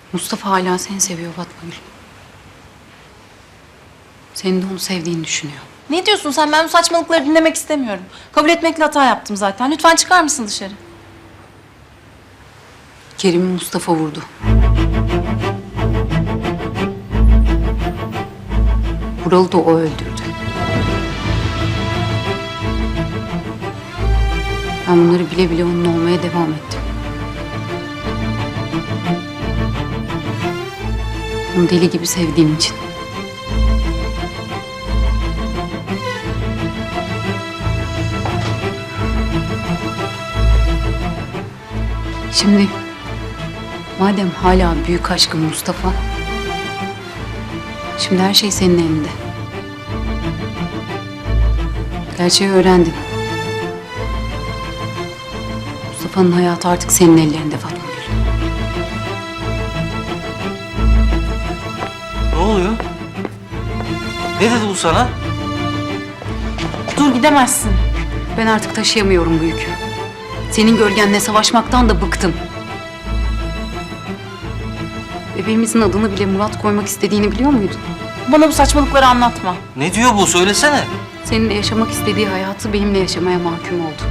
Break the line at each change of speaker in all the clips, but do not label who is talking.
Mustafa hala seni seviyor Fatma Gül. Senin de onu sevdiğini düşünüyor.
Ne diyorsun sen? Ben bu saçmalıkları dinlemek istemiyorum. Kabul etmekle hata yaptım zaten. Lütfen çıkar mısın dışarı?
Kerim'i Mustafa vurdu. Vural'ı da o öldürdü. Ben bunları bile bile onun olmaya devam ettim. Onu deli gibi sevdiğim için. Şimdi madem hala büyük aşkın Mustafa, şimdi her şey senin elinde. Gerçeği öğrendin. Mustafa'nın hayatı artık senin ellerinde Fatma Gül.
Ne oluyor? Ne dedi bu sana?
Dur, gidemezsin.
Ben artık taşıyamıyorum bu yükü. Senin gölgenle savaşmaktan da bıktım. Bebeğimizin adını bile Murat koymak istediğini biliyor muydun?
Bana bu saçmalıkları anlatma.
Ne diyor bu? Söylesene.
Seninle yaşamak istediği hayatı benimle yaşamaya mahkum oldu.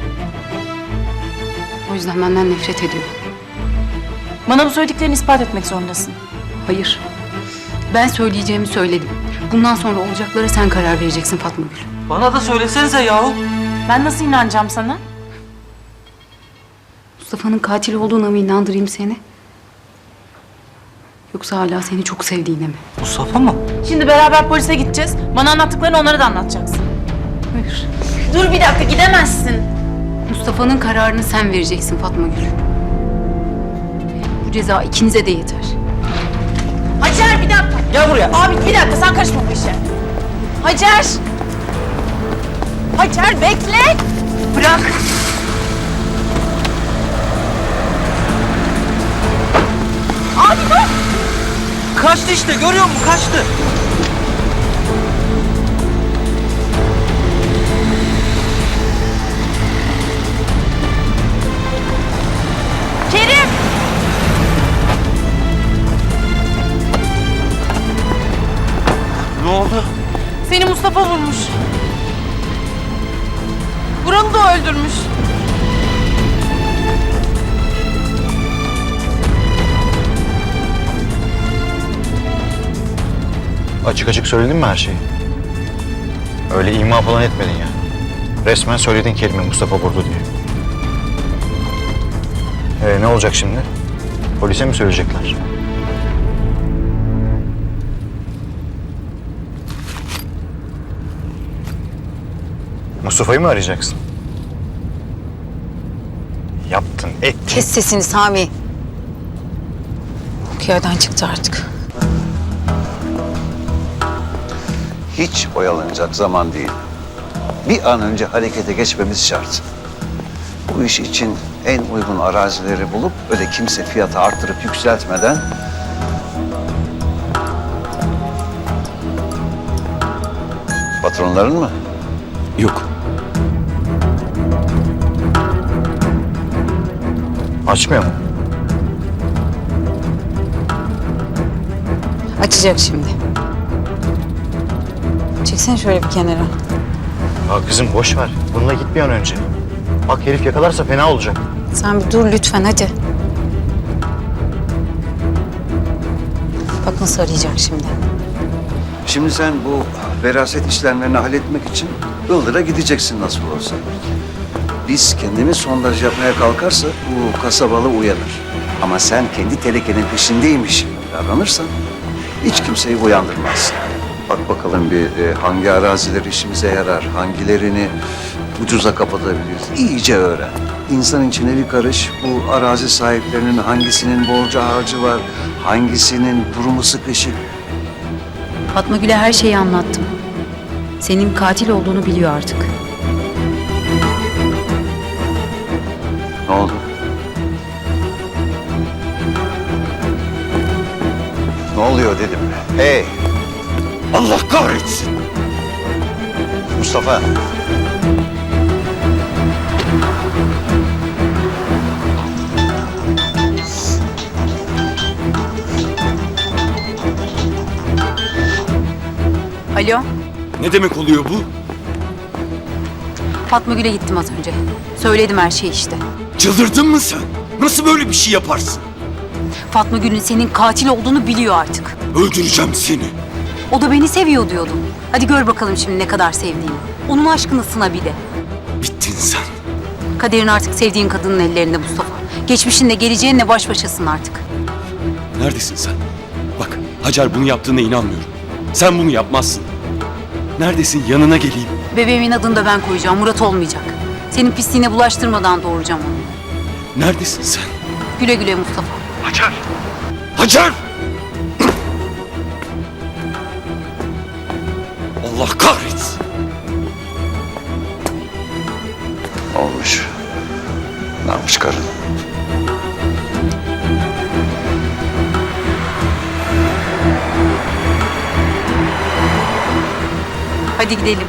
O yüzden benden nefret ediyor.
Bana bu söylediklerini ispat etmek zorundasın.
Hayır. Ben söyleyeceğimi söyledim. Bundan sonra olacaklara sen karar vereceksin Fatma Gül.
Bana da söylesenize yahu.
Ben nasıl inanacağım sana?
Mustafa'nın katil olduğuna mı inandırayım seni? Yoksa hala seni çok sevdiğine mi?
Mustafa mı?
Şimdi beraber polise gideceğiz. Bana anlattıklarını onlara da anlatacaksın.
Hayır.
Dur bir dakika, gidemezsin.
Mustafa'nın kararını sen vereceksin Fatma Gül. Bu ceza ikinize de yeter.
Hacer, bir dakika.
Gel buraya.
Abi bir dakika, sen karışma bu işe. Hacer. Hacer bekle.
Bırak.
Abi dur.
Kaçtı işte, görüyor musun? Kaçtı.
Kerim.
Ne oldu?
Seni Mustafa vurmuş. Vural'ı da o öldürmüş.
Açık açık söyledin mi her şeyi? Öyle ima falan etmedin ya. Resmen söyledin kelime Mustafa vurdu diye. Ne olacak şimdi? Polise mi söyleyecekler? Mustafa'yı mı arayacaksın? Yaptın, ettin.
Kes sesini Sami. Bu yerden çıktı artık.
Hiç oyalanacak zaman değil. Bir an önce harekete geçmemiz şart. Bu iş için en uygun arazileri bulup öyle kimse fiyatı arttırıp yükseltmeden patronların mı?
Yok.
Açmıyor mu?
Açacak şimdi. Çeksene şöyle bir kenara.
Ya kızım boş ver. Bununla git bir an önce. Bak herif yakalarsa fena olacak.
Sen bir dur lütfen hadi. Bak nasıl arayacak şimdi.
Şimdi sen bu veraset işlemlerini halletmek için Ildır'a gideceksin nasıl olsa. Biz kendimiz sondaj yapmaya kalkarsa bu kasabalı uyanır. Ama sen kendi telekenin peşindeymiş gibi davranırsan hiç kimseyi uyandırmazsın. Bak bakalım bir hangi araziler işimize yarar, hangilerini ucuza kapatabiliriz. İyice öğren. İnsan içine bir karış bu arazi sahiplerinin hangisinin borcu harcı var, hangisinin durumu sıkışık.
Fatma Gül'e her şeyi anlattım. Senin katil olduğunu biliyor artık.
Ne oldu? Ne oluyor dedim. Hey! Allah kahretsin!
Mustafa.
Alo,
Ne demek oluyor bu?
Fatma Gül'e gittim az önce. Söyledim her şeyi işte.
Çıldırdın mı sen? Nasıl böyle bir şey yaparsın?
Fatma Gül'ün senin katil olduğunu biliyor artık.
Öldüreceğim seni.
O da beni seviyor diyordu. Hadi gör bakalım şimdi ne kadar sevdiğini. Onun aşkını sına bir de.
Bittin sen.
Kaderin artık sevdiğin kadının ellerinde Mustafa. Geçmişinle geleceğinle baş başasın artık.
Neredesin sen? Bak Hacer bunu yaptığına inanmıyorum. Sen bunu yapmazsın. Neredesin? Yanına geleyim.
Bebeğimin adını da ben koyacağım. Murat olmayacak. Senin pisliğine bulaştırmadan doğuracağım onu.
Neredesin sen?
Güle güle Mustafa.
Hacer! Hacer! Allah kahretsin.
Olmuş. Ne yapmış karın?
Hadi gidelim.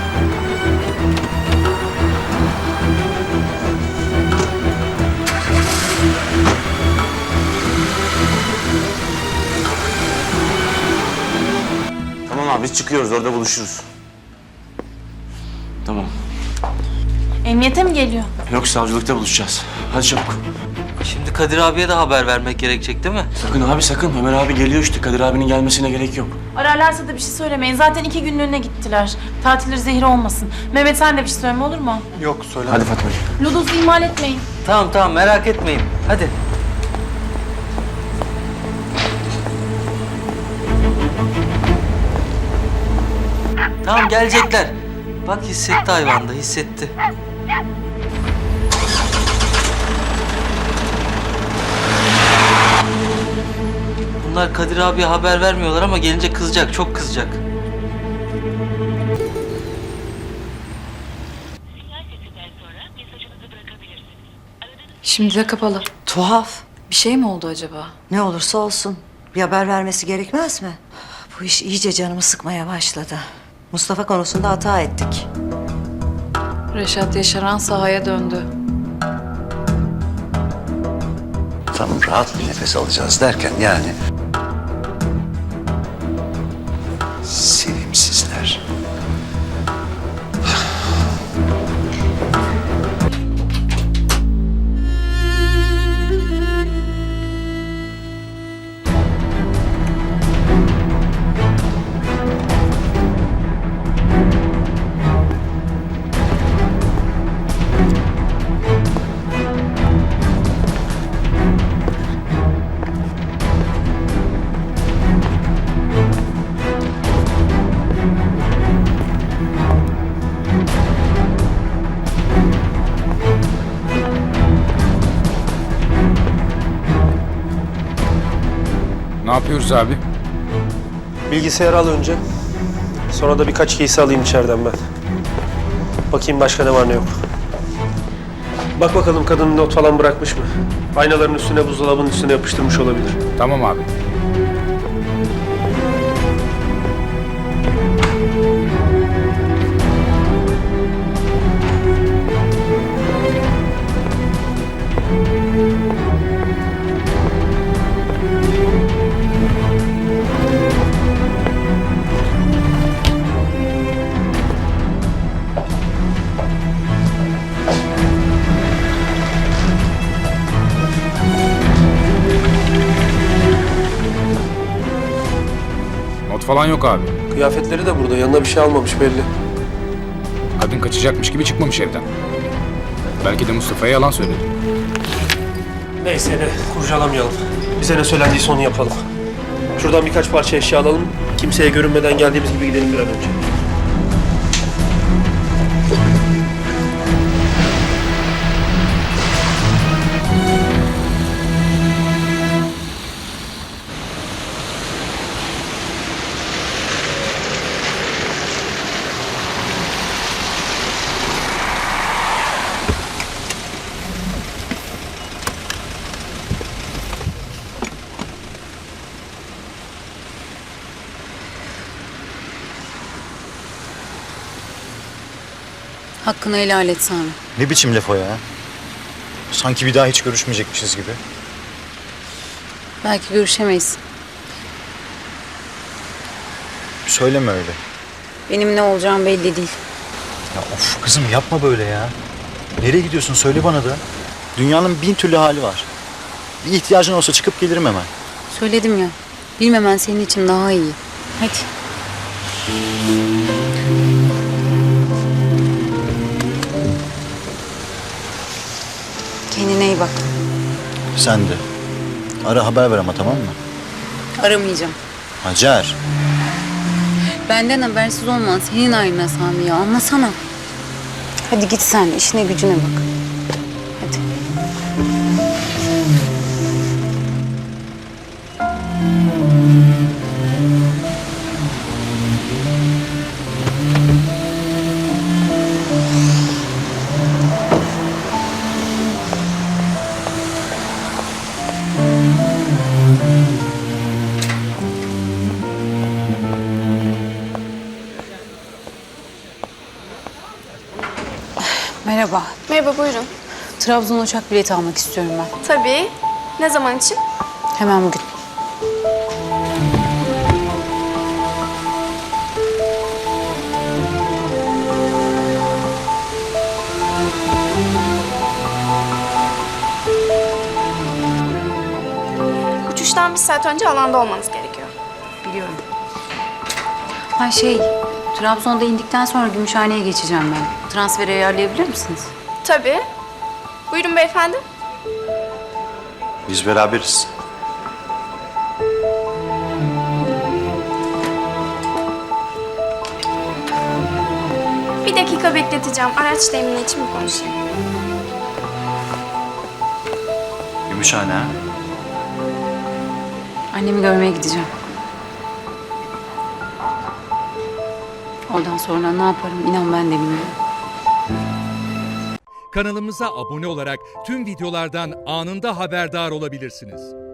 Tamam abi biz çıkıyoruz orada buluşuruz. Tamam.
Emniyete mi geliyor?
Yok savcılıkta buluşacağız. Hadi çabuk.
Şimdi Kadir abiye de haber vermek gerekecek değil mi?
Sakın abi sakın. Ömer abi geliyor işte. Kadir abinin gelmesine gerek yok.
Ararlarsa da bir şey söylemeyin. Zaten 2 günlüğüne gittiler. Tatilleri zehir olmasın. Mehmet sen de bir şey söyleme olur mu?
Hadi Fatma.
Ludos'u ihmal etmeyin.
Tamam merak etmeyin. Hadi. Tamam gelecekler. Bak hissetti hayvan da hissetti. Bunlar Kadir abiye haber vermiyorlar ama gelince kızacak, çok kızacak.
Şimdi de kapalı. Tuhaf. Bir şey mi oldu acaba?
Ne olursa olsun bir haber vermesi gerekmez mi? Bu iş iyice canımı sıkmaya başladı. Mustafa konusunda hata ettik.
Reşat Yaşaran sahaya döndü.
Tam rahat bir nefes alacağız derken yani... Sevimsizler.
Ne yapıyoruz abi?
Bilgisayarı al önce. Sonra da birkaç giysi alayım içeriden ben. Bakayım başka ne var ne yok. Bak bakalım kadın not falan bırakmış mı? Aynaların üstüne, buzdolabının üstüne yapıştırmış olabilir.
Tamam abi. Not falan yok abi.
Kıyafetleri de burada. Yanına bir şey almamış belli.
Kadın kaçacakmış gibi çıkmamış evden. Belki de Mustafa'ya yalan söyledi.
Neyse ne, kurcalamayalım. Bize ne söylendiyse onu yapalım. Şuradan birkaç parça eşya alalım. Kimseye görünmeden geldiğimiz gibi gidelim bir an önce.
Hakkını helal et Sami.
Ne biçim laf o ya? Sanki bir daha hiç görüşmeyecekmişiz gibi.
Belki görüşemeyiz.
Söyleme öyle.
Benim ne olacağım belli değil.
Ya of kızım yapma böyle ya. Nereye gidiyorsun söyle bana da. Dünyanın bin türlü hali var. Bir ihtiyacın olsa çıkıp gelirim hemen.
Söyledim ya. Bilmemen senin için daha iyi. Hadi. Kendine iyi bak.
Sen de. Ara haber ver ama tamam mı?
Aramayacağım.
Hacer.
Benden habersiz olman senin ayrına Sami ya. Anlasana. Hadi git sen. İşine gücüne bak. Hadi. Merhaba.
Merhaba, buyurun.
Trabzon uçak bileti almak istiyorum ben.
Tabii. Ne zaman için?
Hemen bugün.
Uçuştan bir saat önce alanda olmanız gerekiyor.
Biliyorum. Ha Trabzon'da indikten sonra Gümüşhane'ye geçeceğim ben. Transferi ayarlayabilir misiniz?
Tabii. Buyurun beyefendi.
Biz beraberiz.
Bir dakika bekleteceğim. Araç temini için bir konuşayım.
Gümüşhane ha?
Annemi görmeye gideceğim. Oradan sonra ne yaparım inan ben de bilmiyorum.
Kanalımıza abone olarak tüm videolardan anında haberdar olabilirsiniz.